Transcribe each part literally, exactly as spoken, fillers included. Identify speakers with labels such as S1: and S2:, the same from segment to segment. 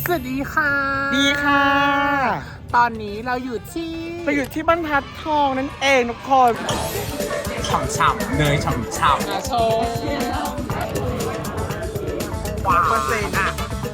S1: สวัสดีค่ะ
S2: ดีค่ะ
S1: ตอนนี้เราอยู่ที่
S2: เราอยู่ที่บรรทัดทองนั่นเองทุกคน
S1: ฉ่ำๆเนยฉ่ำๆนะโชว์ว้าวเปอร์เซ็นต์อ่ะ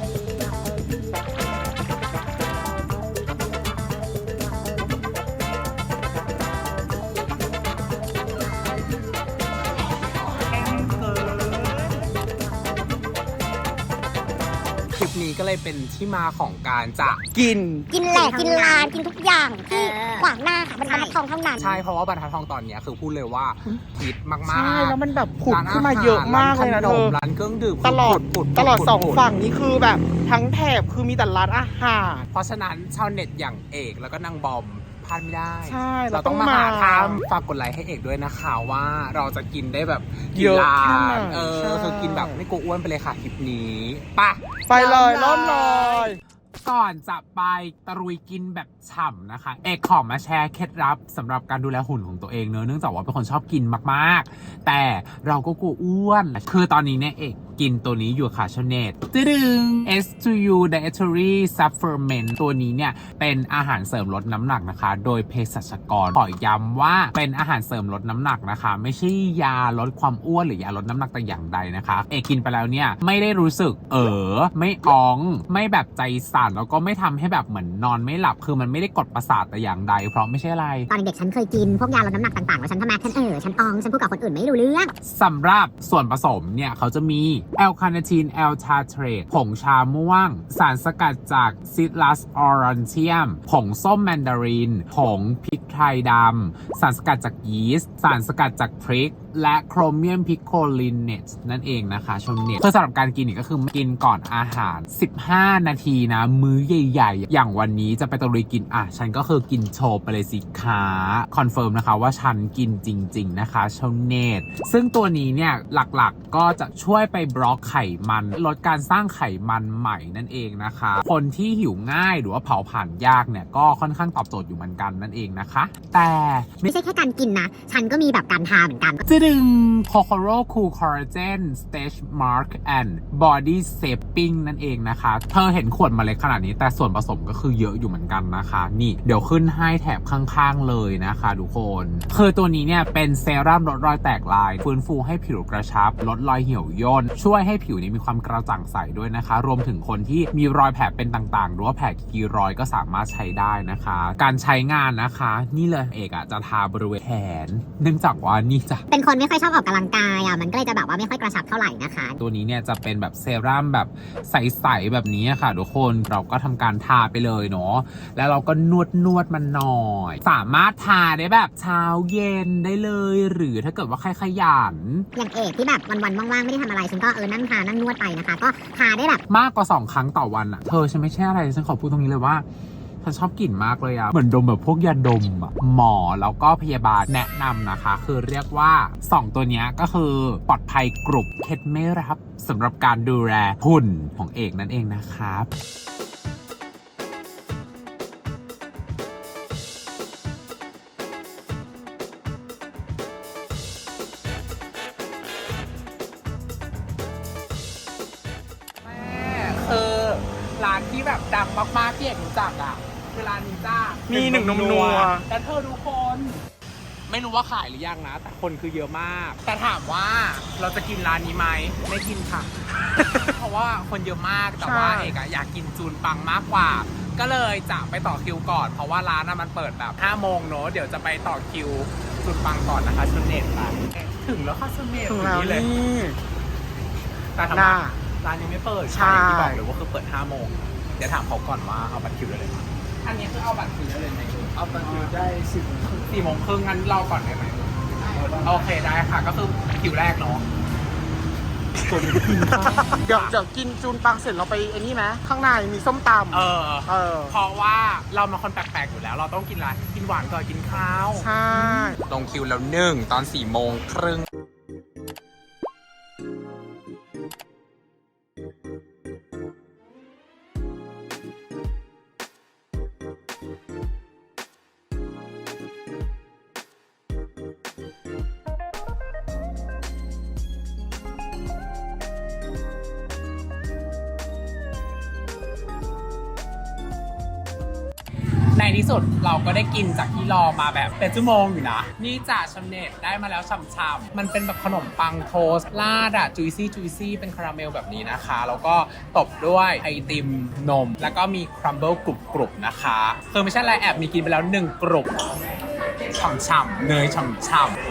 S1: คลิปนี้ก็เลยเป็นที่มาของการจะ
S2: กิน
S3: กินแหลกกินลานกินทุกอย่างที่ขวางหน้าค่ะบรรทัดทองเท่านั้น
S1: ใช่เพราะว่าบรรทัดทองตอนนี้คือพูดเลยว่าฮิตมากๆ
S2: ใช่แล้วมันแบบผุดขึ้นมาเยอะมากเลยนะเธอ
S1: ร้านเครื่องดื่ม
S2: ตลอดตลอดสองฝั่งนี้คือแบบทั้งแถบคือมีแต่ร้านอาหาร
S1: เพราะฉะนั้นชาวเน็ตอย่างเอกแล้วก็นางบอมพลาดไม่ได้
S2: ใช่
S1: เราต้องมาหาทำฝากกดไลค์ให้เอกด้วยนะคะว่าเราจะกินได้แบบ
S2: เยอะแค่ไหน
S1: เออคือกินแบบไม่กลัวอ้วนไปเลยค่ะคลิปนี้ปะ
S2: ไปเลยเริ่มเลย
S1: ก่อนจะไปตะลุยกินแบบฉ่ำนะคะเอกขอมาแชร์เคล็ดลับสำหรับการดูแลหุ่นของตัวเองเนอะเนื่องจากว่าเป็นคนชอบกินมากๆแต่เราก็กลัวอ้วนคือตอนนี้เนี่ยเอกกินตัวนี้อยู่ค่ะชาวเน็ตตึง เอส ทู ยู Dietary Supplement ตัวนี้เนี่ยเป็นอาหารเสริมลดน้ำหนักนะคะโดยเภสัชกรขอย้ำว่าเป็นอาหารเสริมลดน้ำหนักนะคะไม่ใช่ยาลดความอ้วนหรือยาลดน้ำหนักแต่อย่างใดนะคะเอกกินไปแล้วเนี่ยไม่ได้รู้สึกเออไม่อ้องไม่แบบใจสั่นแล้วก็ไม่ทำให้แบบเหมือนนอนไม่หลับคือมันไม่ได้กดประสาทแต่อย่างใดเพราะไม่ใช่อะไร
S3: ตอนเด็กฉันเคยกินพวกยาลดน้ำหนักต่างๆแล้วฉันทำไมฉันเออฉันอองฉันพูดกับคนอื่นไม่รู้เรื่อง
S1: สำหรับส่วนผสมเนี่ยเขาจะมีแอลคาเนทีนแอลทาเทรตผงชาม่วงสารสกัดจากซิตรัสออรันเทียมผงส้มแมนดารินผงพริกไทยดำสารสกัดจากยีสต์สารสกัดจากพริกและโครเมียมพิโคลินเนตนั่นเองนะคะชมเน็ตคือสำหรับการกินนี่ก็คือกินก่อนอาหารสิบห้านาทีนะมื้อใหญ่ๆอย่างวันนี้จะไปตะลุยกินอ่ะฉันก็คือกินโชว์ไปเลยสิคะคอนเฟิร์มนะคะว่าฉันกินจริงๆนะคะชมเน็ตซึ่งตัวนี้เนี่ยหลักๆก็จะช่วยไปบล็อกไขมันลดการสร้างไขมันใหม่นั่นเองนะคะคนที่หิวง่ายหรือว่าเผาผลาญยากเนี่ยก็ค่อนข้างตอบโจทย์อยู่เหมือนกันนั่นเองนะคะแต่
S3: ไม่ใช่แค่การกินนะฉันก็มีแบบการทาเหมือนกัน
S1: จะดึง Kokoro Cool Collagen Stretch Mark and Body Shaping นั่นเองนะคะเธอเห็นขวดมาเล็กขนาดนี้แต่ส่วนผสมก็คือเยอะอยู่เหมือนกันนะคะนี่เดี๋ยวขึ้นให้แถบข้างๆเลยนะคะทุกคนคือตัวนี้เนี่ยเป็นเซรั่มลดรอยแตกลายฟื้นฟูให้ผิวกระชับลดรอยเหี่ยวย่นช่วยให้ผิวนี้มีความกระจ่างใสด้วยนะคะรวมถึงคนที่มีรอยแผลเป็นต่างๆหรือว่าแผลกีรอยก็สามารถใช้ได้นะคะการใช้งานนะคะนี่เลยเอกอะจะทาบริเวณแขนเนื่องจากว่านี่จะ
S3: เป็นคนไม่ค่อยชอบออกกำลังกายอ่ะมันก็เลยจะแบบว่าไม่ค่อยกระชับเท่าไหร่นะคะ
S1: ตัวนี้เนี่ยจะเป็นแบบเซรั่มแบบใสๆแบบนี้ค่ะทุกคนเราก็ทำการทาไปเลยเนาะแล้วเราก็นวดนวดมันหน่อยสามารถทาได้แบบเช้าเย็นได้เลยหรือถ้าเกิดว่าใครขยัน
S3: อย่างเอกที่แบบวันๆว่างๆไม่ได้ทำอะไรฉันก็เออนั่งทานั่งนวดไปนะคะก็ทาได้แบบ
S1: มากกว่าสองครั้งต่อวันอ่ะเธอฉันไม่ใช่อะไรฉันขอพูดตรงนี้เลยว่าฉันชอบกลิ่นมากเลยอะเหมือนดมแบบพวกยาดมอะหมอแล้วก็พยาบาลแนะนำนะคะคือเรียกว่าสองตัวนี้ก็คือปลอดภัยกรุบเคล็ดไม่รับสำหรับการดูแลหุ่นของเอกนั่นเองนะครับคือร้านที่แบบดังมากๆที่เอกรู้จักอ่ะคือร้านนี้จ้า
S2: มีหนึ่งนมนัว
S1: แต่เธอทุกคนไม่รู้ว่าขายหรือยังนะแต่คนคือเยอะมากแต่ถามว่าเราจะกินร้านนี้ไหมไม่กินค่ะ เพราะว่าคนเยอะมากแต่ว่าเอกอยากกินจูนปังมากกว่าก็เลยจะไปต่อคิวก่อนเพราะว่าร้านน่ะมันเปิดแบบห้าโมงเนอะเดี๋ยวจะไปต่อคิวจูนปังก่อนนะคะชุนเน็ตร้านถึงแล้วค่ะชุนเน็ต
S2: ถึงแล้วนี่
S1: แต่ทำไมร้านยังไม่เปิดใช่ที่บอกเลยว่าคือเปิดห้าโมงเดี๋ยวถามเขาก่อนว่าเอาบัตรคิวได้เลยไหมอันนี้คือเอาบัตรคิวได้เลยไหมเอาบัตรคิวได้สิบสี่โมงครึ่งงั้นรอก่อนได้ไหมโอเคได้ค่ะก็คือคิวแรกเนาะ
S2: เดี๋ยวจะกินจูนปังเสร็จเราไปไอ้นี่ไหมข้างในมีส้มตำ
S1: เออ
S2: เออ
S1: เพราะว่าเรามาคนแปลกๆอยู่แล้วเราต้องกินอะไรกินหวานก่อนกินข้าว
S2: ใช่
S1: ลงคิวแล้วหนึ่งตอนสี่โมงครึ่งที่สุดเราก็ได้กินจากที่รอมาแบบเป็นชั่วโมงอยู่นะ นี่จ่าชำเน็ตได้มาแล้วช่ำๆมันเป็นแบบขนมปังโทสต์ราดอะจุยซี่จุยซี่เป็นคาราเมลแบบนี้นะคะแล้วก็ตบด้วยไอติมนม แล้วก็มีครัมเบิลกรุบๆนะคะคือไม่ใช่อะไรแอบมีกินไปแล้วหนึ่งกรุบฉ่ำๆเนยฉ่ำๆ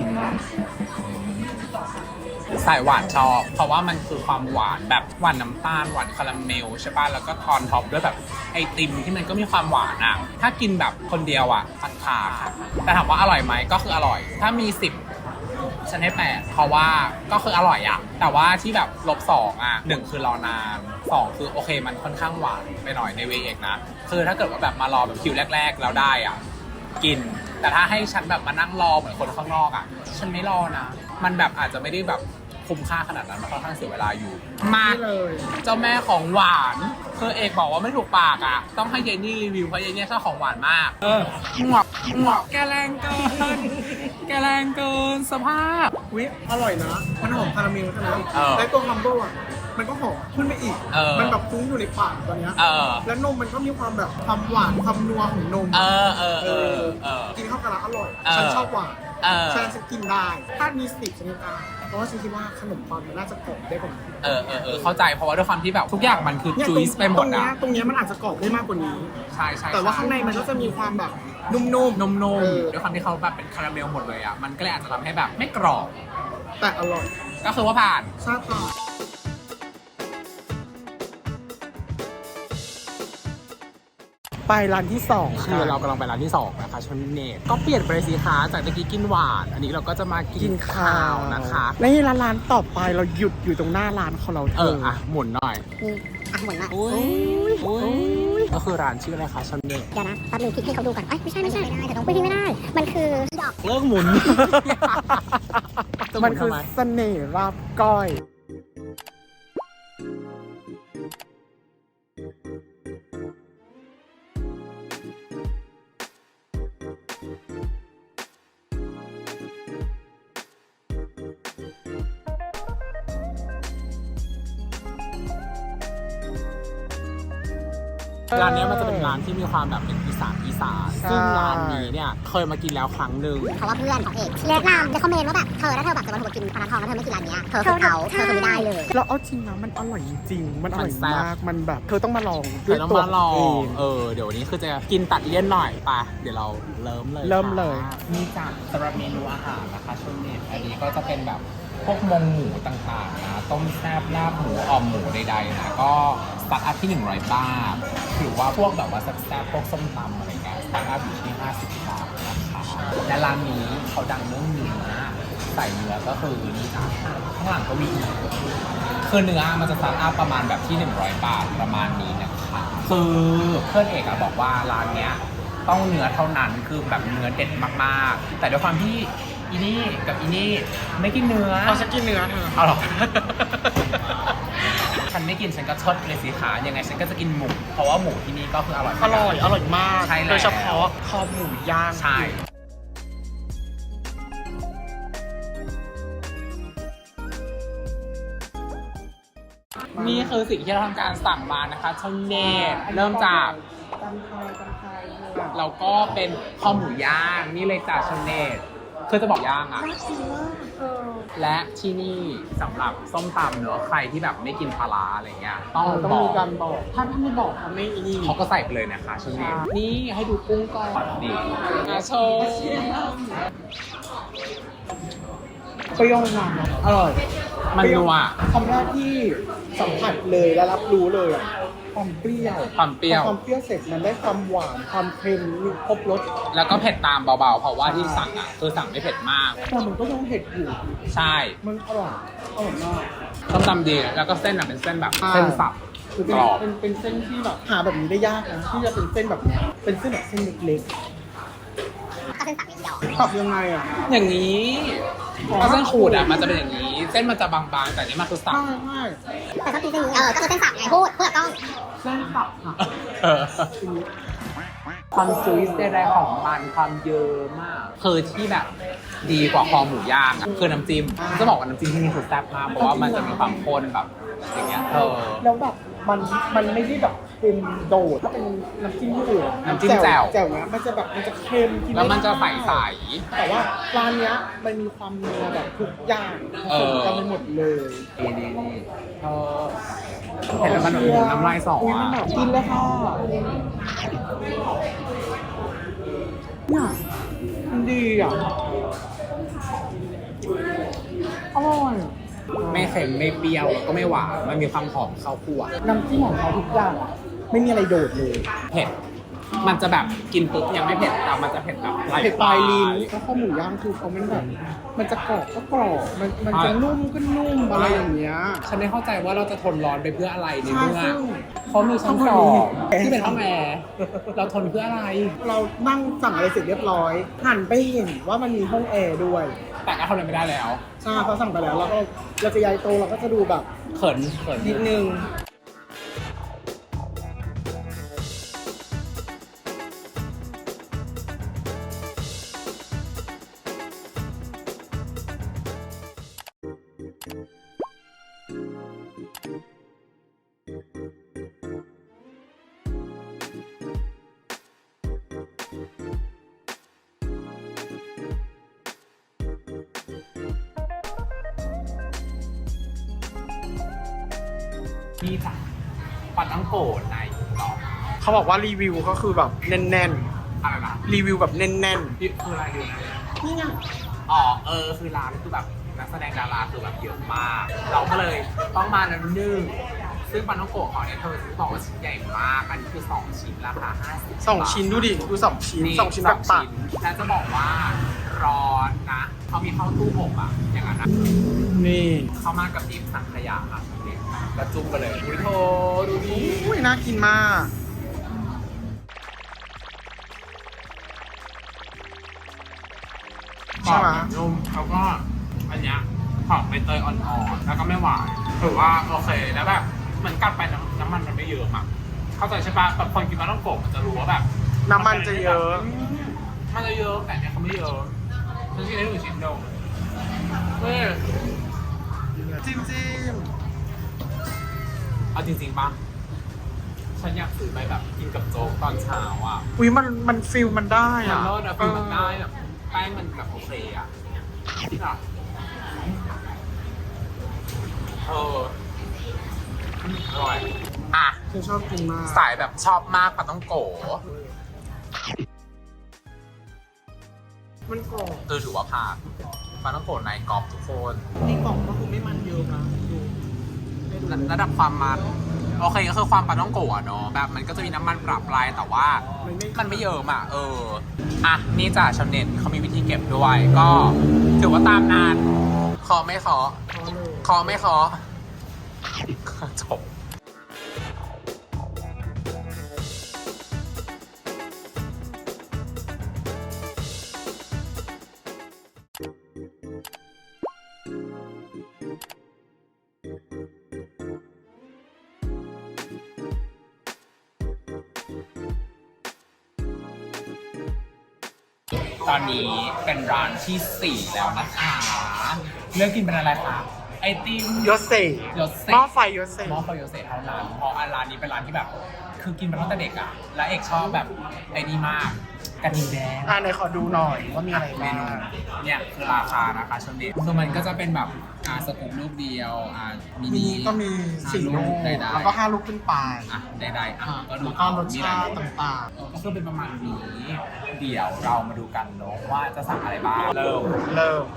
S1: สายหวานชอบเพราะว่ามันคือความหวานแบบหวานน้ำตาลหวานคาราเมลใช่ป่ะแล้วก็ทอนท็อปด้วยแบบไอติมที่มันก็มีความหวานอ่ะถ้ากินแบบคนเดียวอ่ะตัดขาค่ะแต่ถามว่าอร่อยไหมก็คืออร่อยถ้ามีสิบฉันให้แปดเพราะว่าก็คืออร่อยอ่ะแต่ว่าที่แบบลบสองอ่ะหนึ่งคือรอนานสองคือโอเคมันค่อนข้างหวานไปหน่อยในเวเอกนะคือถ้าเกิดว่าแบบมารอแบบคิวแรกๆแล้วได้อ่ะกินแต่ถ้าให้ฉันแบบมานั่งรอเหมือนคนข้างนอกอ่ะฉันไม่รอนะมันแบบอาจจะไม่ได้แบบคุ้มค่าขนาดนั้นมันค่อนข้างเสียเวลาอยู่มาเจ้าแม่ของหวานคือเอกบอกว่าไม่ถูกปากอ่ะต้องให้เยนนี่รีวิวเพราะเยนนี่ชอบของหวานมากเออหมวกหมวกแกแรงเกินแกแรงเกินสภาพ
S2: วิอร่อยนะมันหอมคาราเมลใช่ไหม
S1: เออ
S2: แล้วตัวคัมเบิลอ่ะมันก็หอมขึ้นไปอีก
S1: เออ
S2: มันแบบฟุ้งอยู่ในปากตอนเนี้ย
S1: เออ
S2: แล้วนมมันก็มีความแบบความหวานความนัวของนม
S1: เออเออเออเออ
S2: กินเข้ากันแล้วอร่อย
S1: เออ
S2: ฉันชอบหวาน
S1: เออ
S2: ฉันจะกินได้ ถ้ามีสิบชนิดได้เพราะว่าฉันคิดว่าขนมปังมันน่าจะกรอบได้กว่านี้
S1: เออเออเออเข้าใจเพราะว่าด้วยความที่แบบทุกอย่างมันคือ
S2: เนี่ย
S1: จุยส์ไปหม
S2: ตร
S1: ด
S2: งเนี้
S1: อ่ะ
S2: ยตรงเนี้ยมันอาจจะกรอบได้มากกว่านี้
S1: ใช่ใช่
S2: แต่ว่าข้างในมันก็จะมีความแบบนุ่มๆ
S1: นมนม
S2: เออ
S1: ด้วยความที่เขาแบบเป็นคาราเมลหมดเลยอ่ะมันก็เลยอาจจะทำให้แบบไม่กรอบ
S2: แต่อร่อย
S1: ก็คือว่าผ่าน
S2: ชาผ่านไปร้านที่สอง
S1: คือเรากำลังไปร้านที่สองนะคะชนเนตก็เปลี่ยนไปสิคะจากเมื่อกี้กินหวานอันนี้เราก็จะมากิ
S2: กิ
S1: น
S2: น
S1: ข้า
S2: ข้าว ว
S1: นะคะ
S2: และนี่ร้านร้านต่อไปเราหยุดอยู่ตรงหน้าร้านของเราเธ
S1: เอออ่ะหมุนหน่อย
S3: นี่อ่ะหมุนละ
S1: อุ้ยอุ้ยก็คือร้านชื่ออะไรคะชนเนต
S3: เดี๋ยวนะแป๊บนึงคลิกให้เขาดูก่อนเอ้ยไม่ใช่ไม่ใช่ไม่ได้แต่ต้องไปที่ไม่ได้ มันคือดอก
S1: เลิกหมุน
S2: มันคือเสน่ห์ลาบก้อย
S1: ร้านเนี้ยมันจะเป็นร้านที่มีความแบบเป็นอีสานอีสาน
S2: ใช่
S1: ซึ่งร้านนี้เนี่ยเคยมากินแล้วครั้งหนึ่ง
S3: เพราะว่าเพื่อนของเอกแนะนำในคอมเมนต์ว่าแบบเธอถ้าเธอแบบจะมาถูกกินปลาทองแล้วเธอไม่กินร้านเนี้ยเธอคือเขาเธอคือไม่ได้เลย
S2: เราเอาจริงนะมันอร่อยจริงๆมันอร่อย
S1: มันแซ่บ
S2: มากมันแบบเธอต้องมาลอง
S1: เธ
S2: ด้วย
S1: อต้อง
S2: ตัว
S1: มาลอ
S2: เอง ง
S1: เออ เดี๋ยววันนี้คือจะกินตัดเลี่ยนหน่อยไปะเดี๋ยวเราเริ่มเลย
S2: เริ่มเลย
S1: ค่ะมีจากสำหรับเมนูอาหารนะคะชนเน็ตอันนี้ก็จะเป็นแบบพวกมงหมูต่างๆนะต้มแซ่บลาบหมูอ่อมหมูใดๆนะก็สตาร์ทอัพที่หนึ่งร้อยบาทหรือว่าพวกแบบว่าแซ่บๆพวกส้มตำอะไรเงี้ยสตาร์ทอัพอยู่ที่ห้าสิบบาทนะคะและร้านนี้เขาดังเรื่องเนื้อใส่เนื้อก็คือนี่จ้ะข้างหลังก็มีอีก คือเนื้อมันจะสตาร์ทอัพประมาณแบบที่หนึ่งร้อยบาทประมาณนี้นะคะคือเพื่อนเอกอะบอกว่าร้านเนี้ยต้องเนื้อเท่านั้นคือแบบเนื้อเด็ดมากๆแต่ด้วยความที่อีนี่กับอีนี่ไม่กินเนื้อ
S2: เอาฉันกินเนื้อเธอ
S1: เอาหรอ ฉันไม่กินฉันก็ชดเลยสิคะยังไงฉันก็จะกินหมูเพราะว่าหมูที่นี่ก็คืออร่อย
S2: อร่อยอร่อยมาก
S1: ใช่แล้ว
S2: โดยเฉพาะคอหมูย่าง
S1: ใช่นี่คือสิ่งที่เราทำการสั่งมานะคะชนเนตเริ่มจาก
S2: ตำไทยตำไทย
S1: แล้วก็เป็นคอหมูย่างนี่เลยจากชนเนตคือจะบอกย่างอะ
S2: น่ากินมากเออ
S1: และที่นี่สำหรับส้มตำเนอะใครที่แบบไม่กินปลาร้าอะไรเงี้ยต้อง
S2: ต้อง
S1: บอ
S2: มี
S1: ก
S2: การบอกถ้าถ้าไม่บอกเขาไม่อีนี่
S1: เขาก็ใส่ไปเลยนะคะชนเนตนี่ให้ดูกุ้งก่อนนี่อาโชว์
S2: เปรี้ยวนำอะอร่อย
S1: มันนัว
S2: คำแรกที่สัมผัสเลยและรับรู้เลยอะความเปรี้ยว
S1: ความเปรี้ยว
S2: พอความเปรี้ยวเสร็จมันได้ความหวานความเค็มมีครบรส
S1: แล้วก็เผ็ดตามเบาๆเพราะว่าที่สั่งอ่ะคือสั่งไม่เผ็ดมาก
S2: แต่มันก็ยังเผ็ดอยู่
S1: ใช่
S2: มันอร่อยอร่อยมาก
S1: ส้มตำดีแล้วก็เส้นอ่ะเป็นเส้นแบบเส้นสับ
S2: คือก
S1: รอบ
S2: เป็นเป็นเส้นที่แบบหาแบบนี้ได้ยากนะที่จะเป็นเส้นแบบเนี้ยเป็นเส้นแบบเส้นเล็ก
S3: ก็เป็นสับนิดเดียว
S2: ๆตับยังไงอ่ะ
S1: อย่างนี้ถ้าเส้นขูดอ่ะมันจะเป็นอย่างนี้ เส้นมันจะบางๆแต่นี่มันคือสับ
S2: ใช่ใช่
S3: แต่ชอบกินเส้นนี้เออก็คือเส้นสับไงพูดพูดกับกล้อง
S2: เส้นตับค่ะ
S1: เออความจุยส์ใดๆของมันความเยอะมากคือที่แบบดีกว่าคอหมูย่างอ่ะคือน้ำจิ้มจะบอกว่าน้ำจิ้มที่นี่คือแซ่บมากเพราะว่ามันจะมีความข้นแบบอย่างเงี้ยเออ
S2: แล้วแบบมันมันไม่ได้แบบเป็นโดดถ้าเป็นน้ำจิ้มญี่ปุ่น
S1: น้ำจิ้มแจ่ว
S2: แจ่วเนี้ยมันจะแบบมันจะเค็มกิ
S1: แล้วมันจะใส
S2: ไได้
S1: ใส
S2: แต่ว่าร้านเนี้ยมันมีความนัวแบบทุกอย่างผสมกันไปหมดเลย
S1: นี่นี่นี่เออเห็นแล้วมันแบบน้ำลายสอ
S2: อุ๊ย
S1: อ่ะ
S2: มันแบบกินเลยค่ะเนี่ยมันดีอ่ะอร่อยอะ
S1: ไม่เค็มไม่เปรี้ยวแล้วก็ไม่หวานมันมีความหอมข้าวคั่ว
S2: น้ำจิ้มของเขาทุกอย่างอะไม่มีอะไรโดดเลย
S1: เผ็ดมันจะแบบกินปุ๊บยังไม่เผ็ดแต่มันจะเผ็ดแบบ
S2: เผ็ดปลายลิ้นแล้วข้าวหมูย่างคือเขามันแบบ มันจะกรอบก็กรอบมันมันจะนุ่มก็นุ่มอะไรอย่างเงี้ย
S1: ฉันไม่เข้าใจว่าเราจะทนร้อนไปเพื่ออะไรใน
S2: ใช่
S1: เมื่อ
S2: ซึ่ง
S1: เขามีชั้นสองที่เป็นห้องแอร์เราทนเพื่ออะไร
S2: เรานั่งสั่งอะไรเสร็จเรียบร้อย หันไปเห็นว่ามันมีห้องแอร์ด้วย
S1: แต่ก็ทนอะไรไม่ได้แล้ว
S2: ใช่เขาสั่งไปแล้วเราก็เราจะย้ายโตะเราก็จะดูแบบ
S1: เขินเขิน
S2: นิดนึง
S1: นี่จ้ะปาตั้งโกดในต่อ
S2: เขาบอกว่ารีวิวก็คือแบบแน่น
S1: อะไรนะ
S2: ๆรีวิวแบบแน่น
S1: นี่คืออะไรดีนะ
S2: ๆนี่ไง
S1: อ๋อเออคือร้านคือแบบนักแสดงดาราคือแบบเยอะมาก เราก็เลยต้องมาแล้วนึ่งซึ่งปาตั้งโกดของเนี่ยเธอบอกว่าชิ้นใหญ่มากอันนี้คือสองชิ้นราคาห้าสิบ
S2: สองชิ้นดูดิดูสองชิ้นสองชิ้นแบบตัด
S1: แล้วจะบอกว่าร้อนนะเขามีเข้าตู้อบอ่ะอย่างนั้นนะ
S2: นี่
S1: เข้ามากับดิบสังขยาค่ะนี่กระจุ่มไปเลยอุ้ยโธดูดิ
S2: อุ้ยน่ากินมาก ใช่ไหม
S1: นุ่มแล้วก็อันเนี้ยหอมใบเตยอ่อนๆแล้วก็ไม่หวานถือว่าโอเคแล้วแบบเหมือนกัดไปน้ำน้ำมันมันไม่เยอะอ่ะเข้าใจใช่ปะแบบคนกินปลาต้องโกะมันจะรู้ว่าแบบ
S2: น้ำมันจะเยอะ
S1: มันจะเยอะแต่เนี้ยเขาไม่เยอะฉันกินได้หนึ่งชิ้นเดียวเฮ้ย
S2: จิ้มจิ้ม
S1: เอาจริงๆป่ะฉันอยากซื้อไปแบบกินกับโจ๊กตอนเช้าอ่ะ
S2: อุ้ยมันมันฟิลมันได้
S1: มัน
S2: อ่ะ
S1: รสอะฟิลมันได้แบบแป้งมันแบบโอเคอ่ะค่ะเอออร่อยอ่ะ
S2: ฉันชอบกินมาก
S1: สายแบบชอบมากปลาต้องโก
S2: มันกรอบ
S1: คือถือว่าผ่านปลาต้องโกในกรอบทุกคน
S2: นี่กรอบก็คือไม่มันเยอะนะดู
S1: ระดับความมันโอเคก็คือความปลาต้องโกะเนาะแบบมันก็จะมีน้ำมันปรับปลายแต่ว่ามันไม่เยอะอ่ะเอออ่ะนี่จ้ะชาวเน็ตเขามีวิธีเก็บด้วยก็ถือว่าตามนานขอไม่ขอ
S2: พอเลย
S1: ขอไม่ขอจบตอนนี้เป็นร้านที่สี่แล้วนะคะเลือกกินเป็นอะไรคะไอติม
S2: ยศเซ่
S1: ยศเซ
S2: หม้อไฟยศเซ่
S1: หม้อไฟยศเซเท่านั้นเพราะร้านนี้เป็นร้านที่แบบ คือกินมาตั้งแต่เด็กอ่ะ และเอกชอบแบบไอ้นี่มากกระทิงแดง
S2: อ่าไหนขอดูหน่อยว่ามีอะไร
S1: เม
S2: บ้าง
S1: นูเนี่ยคือราคานะคะชนเด็ดคือมันก็จะเป็นแบบอ่าสกู๊ปลูกเดียวอ่ามิ
S2: มี
S1: นิ
S2: ก็มีสี่ลูก
S1: ได้
S2: แล้วก็ห้าลูกขึ้นไป
S1: อ่ะได้ได้ๆอ่ะก็ดู
S2: แล้วก็รส
S1: มี
S2: ชา
S1: หลย
S2: ติต่าง
S1: เออก็คือเป็นประมาณนี้ เดี๋ยวเรามาดูกันเนาะว่าจะสั่งอะไรบ้างเริ่ม
S2: ๆ เริ่ม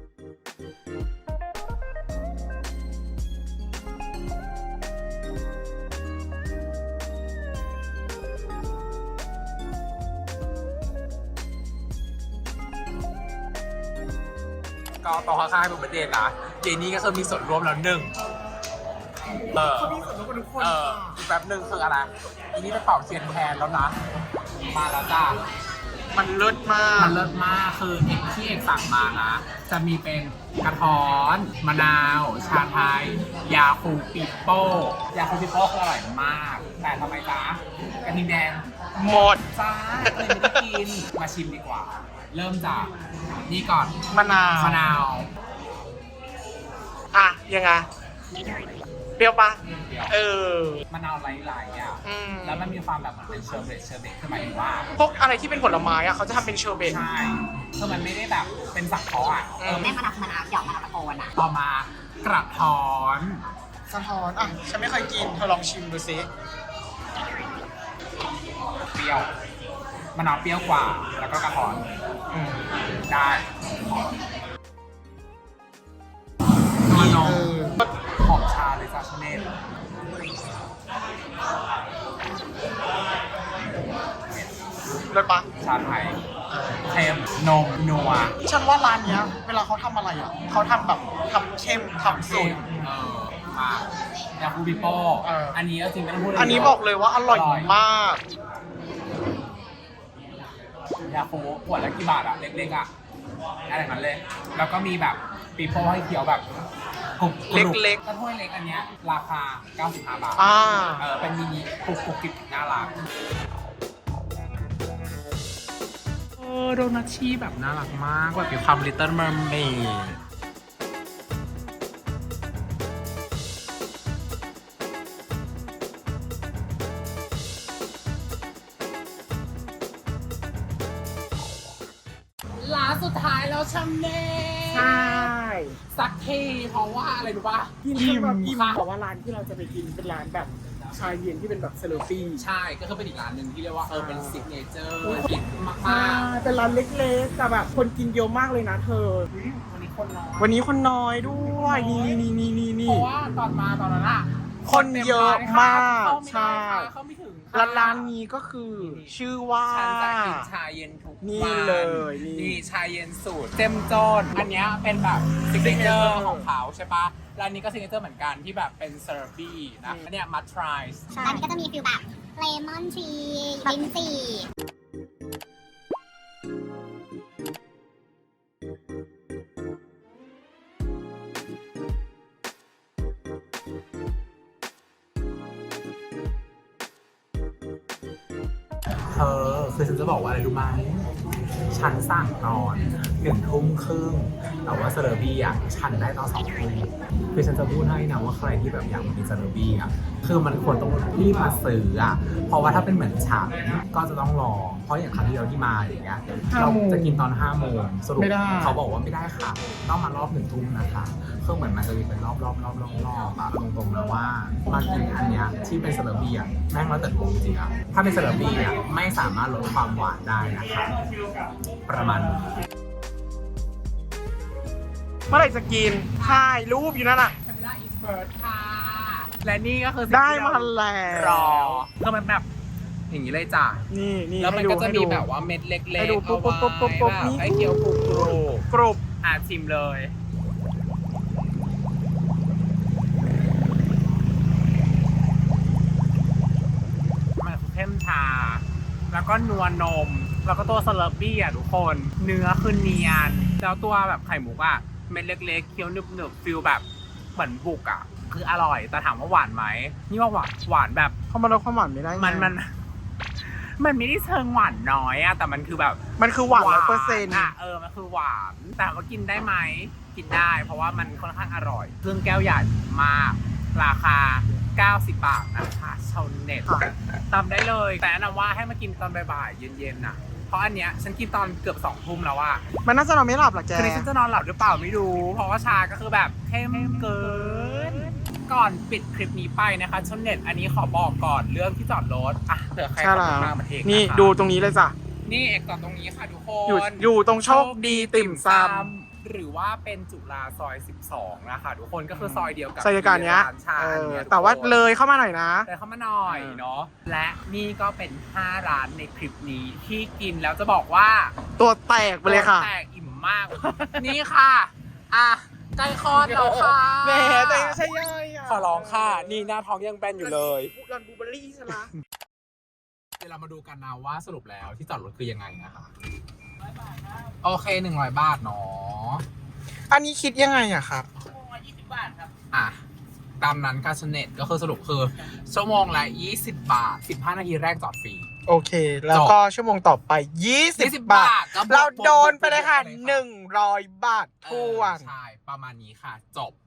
S1: ก็ตรงข้างๆเป็นประเด็นนะเจนี่ก็คือมีส่วนร่วมแล้วหนึ่งเออ
S2: เขามีส่วนร่วมกับทุกคน
S1: เอออีกแป๊บหนึ่งคืออะไรอีนี่ไปเป่าเทียนแทนแล้วนะ มาแล้วจ้า
S2: มันเลิศมาก
S1: มันเลิศมากคือเอกที่เอกสั่งมานะ จะมีเป็นกระท้อน มะนาว ชาไทย ยาคูปิโป้ ยาคูปิโป้คืออร่อยมาก แต่ทำไมจ๊ะกระทิงแดง
S2: หมด
S1: จ้าเลยไม่ได้กิน มาชิมดีกว่า เริ่มจากนี่ก่อน
S2: มะนาว
S1: มะนาว
S2: อ่ะ ยังไงเปรี้ยวปะเออ
S1: มะนาวไหลๆอ่ะ
S2: อืม
S1: แล้วมันมีความแบบเหมือนเป็นเชอร์เบตเชอร์เบตคือหมายถึงว่า
S2: พวกอะไรที่เป็นผลไม้อะเขาจะทำเป็นเชอร์เบต
S1: ใช่คือมันไม่ได้แบบเป็นสังเคราะห์อ่ะ
S2: เออ
S3: แม่มะนาวมะนาวหยอกมะนาวตะโกนอ่ะ
S1: ต่อมากระท้อน
S2: สะท้อนอ่ะฉันไม่เคยกินเธอลองชิมดูซิ
S1: เปรี้ยวมะนาวเปรี้ยวกว่า แล้วก็กระท้อน
S2: อืม
S1: ได้มะนาวหอมชาเลยจ้าชาเนล
S2: เลิศปะ
S1: ชาไทยเค็มนมนัว
S2: ฉันว่าร้านเนี้ย เวลาเขาทำอะไรอ่ะเขาทำแบบทำเข้มทำสุด
S1: เออมายาคูบิโป้
S2: เอออั
S1: อันนี้ก็จริงไม่ต้องพูดเลย
S2: อันนี้บอกเลยว่าอร่อยมาก
S1: ยาคูขวดละกี่บาทอะเล็กๆอะอะไรแบบนั้นเลย แล้วก็มีแบบปีโป้ให้เคี้ยวแบบกรุบๆ
S2: เล็กๆ
S1: ถ้าถ้วยเล็กอันเนี้ยราคาเก้าสิบห้าบาท
S2: อ่า
S1: เออเป็นมินิกรุบกรุบกริบน่ารักเออโดนัทชีแบบน่ารักมากแบบมีความ Little Mermaid ร้านสุดท้ายแล้วชัมเน่
S2: ใช่
S1: สักทีเพราะว่าอะไรรู้ป่ะ
S2: กิน
S1: อิ่
S2: จน
S1: ม
S2: แบบอิ่ม
S1: ค่ะ
S2: แต่ว่าร้านที่เราจะไปกินเป็นร้านแบบชาเย็นที่เป็นแบบเซเลฟี่
S1: ใช่ก็คือเป็นอีกร้านหนึ่งที่เรียกว่าเออเป็นซิกเนเจอร์ฮิตมาก
S2: ใช่เป็นร้านเล็กๆแต่แบบคนกินเยอะมากเลยนะเธอ
S1: ๆวันนี้คนน้อย
S2: วันนี้คนน้อยด้วยนี่นี่นี่นี่
S1: เพ
S2: นี่
S1: ราะว่าตอนมาตอนนั้นอะ
S2: คนเยอะมาก
S1: เข้าไม่
S2: ใช่
S1: ได้ค่ะเข้าไม่ถึงค่ะ
S2: ร้านร้านนี้ก็คือชื่อว่า
S1: ฉันจะกินชาเย็นทุกวัน
S2: นี่เลยนี่
S1: นี่ชาเย็นสูตรเต็มจนอันเนี้ยเป็นแบบซิกเนเจอร์ของเขาใช่ปะร้านนี้ก็ซิกเนเจอร์เหมือนกันที่แบบเป็นเซอร์บี้นะอันเนี้ยมัทไรส์
S3: ร้านนี้ก็จะมีฟิลแบบเลมอนทรีลิ้นจี่
S1: เธอคือฉันจะบอกว่าอะไรรู้ไหมฉันสั่งตอนหนึ่งทุ่มครึ่งแต่ว่าเซอร์บี้อ่ะฉันได้ตอนสองทุ่มคือฉันจะพูดให้นะว่าใครที่แบบอยากมากินเซอร์บี้อ่ะคือมันควรต้องรีบมาซื้ออ่ะเพราะว่าถ้าเป็นเหมือนฉันก็จะต้องรอเพราะอย่างครั้งที่เราที่มาอย่างเงี้ยเราจะกินตอนห้าโมงสรุปเขาบอกว่าไม่ได้ค่ะต้องมารอบหนึ่งทุ่มนะคะคือเหมือนมันจะมีเป็นรอบรอบรอบรอบรอบอะตรงๆนะว่ามากินอันเนี้ยที่เป็นเซอร์บี้อ่ะแม่งแล้วแต่ดวงจริงอ่ะถ้าเป็นเซอร์บี้อ่ะไม่สามารถลดความหวานได้นะคะประมาณนี้
S2: เมื่อไหร่จะกินถ่ายรูปอยู่นั่นอ่ะ
S1: คาเมล่าอีสเบิร์ดค่ะ และนี่ก็คือสิ่ง
S2: ได้
S1: ที่เร
S2: มาแล้ว
S1: รอก็มันแบบอย่างนี้เลยจ้ะ
S2: นี่นี่
S1: แล้วมัน
S2: ให้ดู
S1: ก็จะ
S2: ให้
S1: มี
S2: ดู
S1: แบบว่าเม็ดเล็ก
S2: ให้
S1: ๆ
S2: ดู
S1: เอา
S2: ปุ๊บปุ๊บปุ๊บปุ๊บ
S1: ไว้
S2: ปุ๊บ
S1: แบบ
S2: นี่
S1: ให้เคี้ยวกรุบกรุบ
S2: กรุบ
S1: อ่ะชิมเลยมันคือเข้มชา แล้วก็นัวนม แล้วก็ตัวสลับบี้อ่ะทุกคน เนื้อคือเนียน แล้วตัวแบบไข่หมูอ่ะเม็ดเล็กๆเคี้ยวหนึบๆฟิลแบบเหมือนบุกอ่ะ คืออร่อย แต่ถามว่าหวานไหม นี่ว่าหวานหวานแบบ
S2: เขามาลดความหวานไม่ได้ไง
S1: มันมัน มันไม่ได้เชิงหวานน้อยอะแต่มันคือแบบ
S2: มันคือหวานร้อยเปอร์เซ็นต์
S1: อะเออมันคือหวาน แต่ว่ากินได้ไหมกินได้ เพราะว่ามันค่อนข้างอร่อยเครื่องแก้วใหญ่มาก ราคาเก้าสิบบาทนะคะชาวเน็ตตามได้เลย แต่แนะนำว่าให้มากินตอนบ่ายๆเย็นๆน่ะเพราะอันเนี้ยฉันกินตอนเกือบสองทุ่มแล้วอะ
S2: มันน่าจะนอนไม่หลับหรอแก
S1: คืนนี้ฉันจะนอนหลับหรือเปล่าไม่รู้ เพราะว่าชาก็คือแบบเข้มเกิน ก่อนปิดคลิปนี้ไปนะคะชนเน็ตอันนี้ขอบอกก่อนเรื่องที่จอดรถอ่ะเผื่อใคร
S2: ใช่
S1: ขับ
S2: แล้ว
S1: รถมาเหมือนเอก
S2: นี่
S1: ะคะ
S2: ดูตรงนี้เลยจ้ะ
S1: นี่เอกจอดตรงนี้ค่ะทุกค
S2: อยู่
S1: น
S2: อยู่ตรงโชคดีติ่มซ
S1: หรือว่าเป็นจุฬาซอยสิบสองนะคะทุกคนก็คือซอยเดียวกับ
S2: ำซอยเดียวกันเนี้ย
S1: ร้านชา
S2: เออ
S1: เนี่ยทุกคน
S2: แต่ว่าเลยเข้ามาหน่อยนะ
S1: เลยเข้ามาหน่อยเนาะและนี่ก็เป็นห้าร้านในคลิปนี้ที่กินแล้วจะบอกว่า
S2: ตัวแตกไปเลยค่ะ
S1: แตกอิ่มมาก นี่ค่ะ อ่ะใกล้คลอดแล้วค่ะ
S2: แหมแต่ไม่ใช่ย่อยอ่ะ
S1: ขอร้องค่ะ นี่หน้าท้องยังแป้นอยู่เลย
S2: รันบูเบอรี่ใช่ไหม
S1: เดี๋ยวเรามาดูกันนะว่าสรุปแล้วที่จอดรถคือยังไงนะคะ โอเคหนึ่งร้อยบาทเนาะ
S2: อันนี้คิดยังไงอะครับ
S1: อ่ะ ตามนั้นการชเน็ตก็คือสรุปคือ ชั่วโมงละยี่สิบบาท สิบห้านาทีแรกจอดฟรี
S2: โอเค แล้วก็ชั่วโมงต่อไป ยี่สิบ
S1: ยี่สิบ
S2: บาท
S1: บาทก็บวก
S2: เราโดนไปเลยค่ะ
S1: บวกบวก
S2: หนึ่งร้อยบาททวน
S1: เออใช่ ประมาณนี้ค่ะ จบ